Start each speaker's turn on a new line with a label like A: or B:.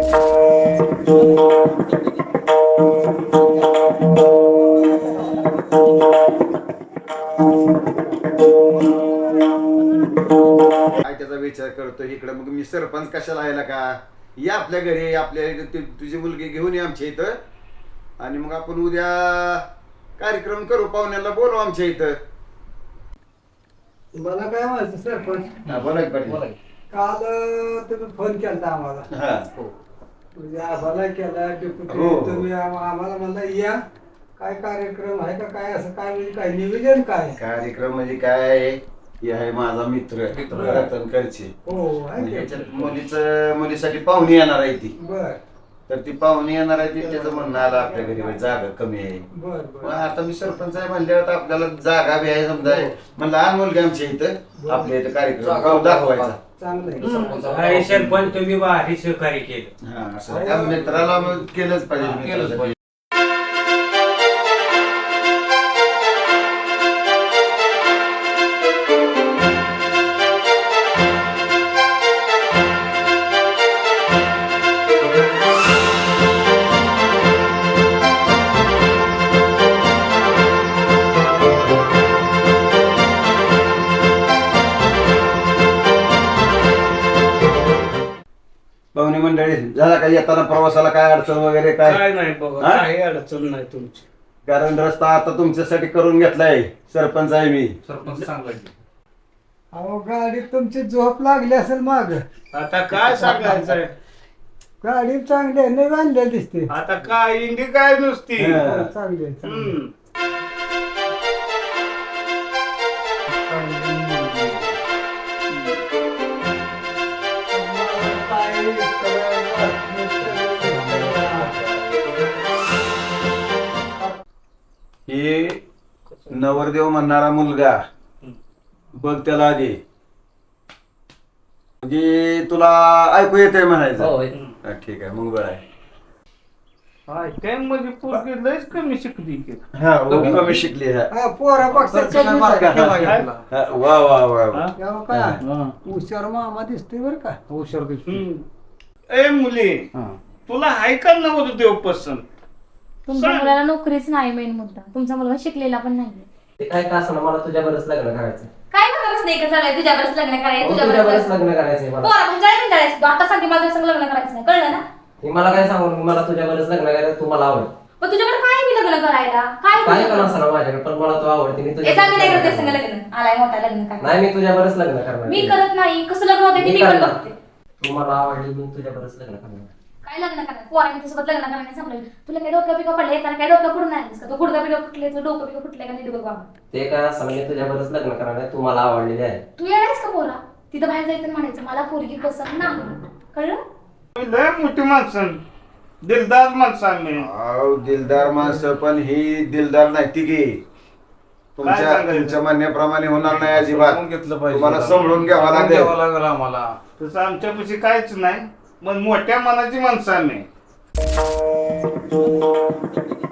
A: काय त्याचा विचार करतो इकडे, मग मी सरपंच कशाला आहे का? या आपल्या घरी, आपल्या तुझी मुलगी घेऊन ये आमच्या इथं, आणि मग आपण उद्या कार्यक्रम करू, पाहुण्याला बोलू आमच्या इथं.
B: मला काय म्हणायचं सरपंच,
A: बोला की पाटील.
B: काल तुम्ही फोन केला आम्हाला,
A: हा.
B: म्हणजे आम्हाला केला डेप्युटी,
A: हो.
B: तुम्ही आम्हाला म्हणला या, काय कार्यक्रम आहे का काय, असं काय म्हणजे काय नियोजन काय?
A: कार्यक्रम म्हणजे काय, हे आहे माझा मित्र रतन करचे.
B: हो आहे
A: म्हणजे
B: की?
A: ह्याच्यात मुलीसाठी पाहुणी येणार आहे ती,
B: बर
A: तर ती पाहुणी येणार आहे ती, त्याचं म्हणणं आलं आपल्या घरी जागा कमी आहे.
B: बर
A: मग
B: बर
A: आता मी सरपंच आहे म्हणल्यावर तर आपल्याला जागा बी आहे समजा. मग लहान मुलगी आमच्या इथं, आपल्या इथं कार्यक्रम करून दाखवायचा.
B: चांगलं
C: अरे सरपंच तुम्ही भारी सहकार्य केलं.
A: हा, असं त्या मित्राला मग केलंच पाहिजे, मित्रासाठी. पाहुणे मंडळी झाला काही येताना प्रवासाला काय अडचण वगैरे काय?
C: काय नाही बघा,
A: हा?
C: काही अडचण नाही तुमची.
A: कारण रस्ता आता तुमच्यासाठी करून घेतलाय, सरपंच आहे मी.
C: सरपंच सांगायचं
B: अहो गाडीत तुमची झोप लागली असेल माग,
C: आता काय सांगायचंय.
B: गाडी चांगली आहे, नाही बांधलेली दिसते.
C: आता काय इंडी काय नुसती.
A: हा.
B: हो, चांगली आहे, चांगली आहे.
C: हम्म.
A: हे नवरदेव म्हणणारा मुलगा बघ त्याला आधी, म्हणजे तुला ऐकू येते म्हणायचं. हा, ठीक आहे, मग बरं आहे.
C: हाय, काय म्हणजे पोरगी लयच कमी शिकली की.
A: हा, हो, कमी शिकली. हा.
B: हा, पोरा पक्षात कमी आहे.
A: हा, वा वा वा वा.
B: तेव्हा काय हुशार मामा दिसतोय बर का, हुशार दिसतोय.
C: हम्म. ए मुली, तुला हाय का नव्हतं देव पसंत?
D: तुमच्या
C: सांग.
D: मुलाला नोकरीच नाही, मेन मुद्दा तुमचा मुलगा शिकलेला पण नाहीये.
E: ते काय का असं मला तुझ्यावरच लग्न करायचं.
D: काय म्हणत नाही का झालंय तुझ्यावरच लग्न करायचं,
E: तुझ्यावरच लग्न करायचंय मला.
D: पोरा म्हणजे काय करायचं, आता सांगते मला तुझ्या संग लग्न करायचं नाही, कळलं ना?
E: हे मला काय सांगू, मला तुझ्यावरच लग्न करायचं, तू मला आवड.
D: पण तुझ्याकडे काय मी लग्न करायला
E: काय पण
D: काय
E: असं ना माझ्याकडे, पण मला तू आवडते. मी
D: ए, सांग मी नाही करत
E: तुझ्या
D: संग लग्न, आलाय मोठा लग्न काय
E: नाही, मी तुझ्यावरच लग्न करणार.
D: मी करत नाही, कसं लग्न होते ते
E: मी
D: मी पण
E: करणार.
D: बघते.
E: तू मला आवडली, मी तुझ्यावरच लग्न करणार.
D: काय लग्न करणार, पोराने तुझ्यासोबत लग्न करण्याने संपलं. तुला काय डोकं पिकं पडले, त्याला काय डोकं फुडून नाही का, तो गुडगा पिकं फुटले, तुला डोकं पिकं फुटले का नाही डोकं बाबा.
E: ते काय असं मी तुझ्यावरच लग्न करणार आहे, तू मला आवडलेली आहे.
D: तू येणारच का पोरा, तिथं बाहेर जायचं आणि म्हणायचं मला पोरगी पसंत नाही, कळलं?
C: लय मोठी माणसं, दिलदार माणसं आम्ही.
A: अहो, दिलदार माणसं, पण ही दिलदार नाही ती की तुमच्या म्हणण्याप्रमाणे होणार नाही अजिबात.
F: घेतलं पाहिजे,
A: तुम्हाला समजून घ्यावं लागेल.
F: आम्हाला.
C: तसं आमच्यापाशी काहीच नाही, पण मोठ्या मनाची माणसं आम्ही.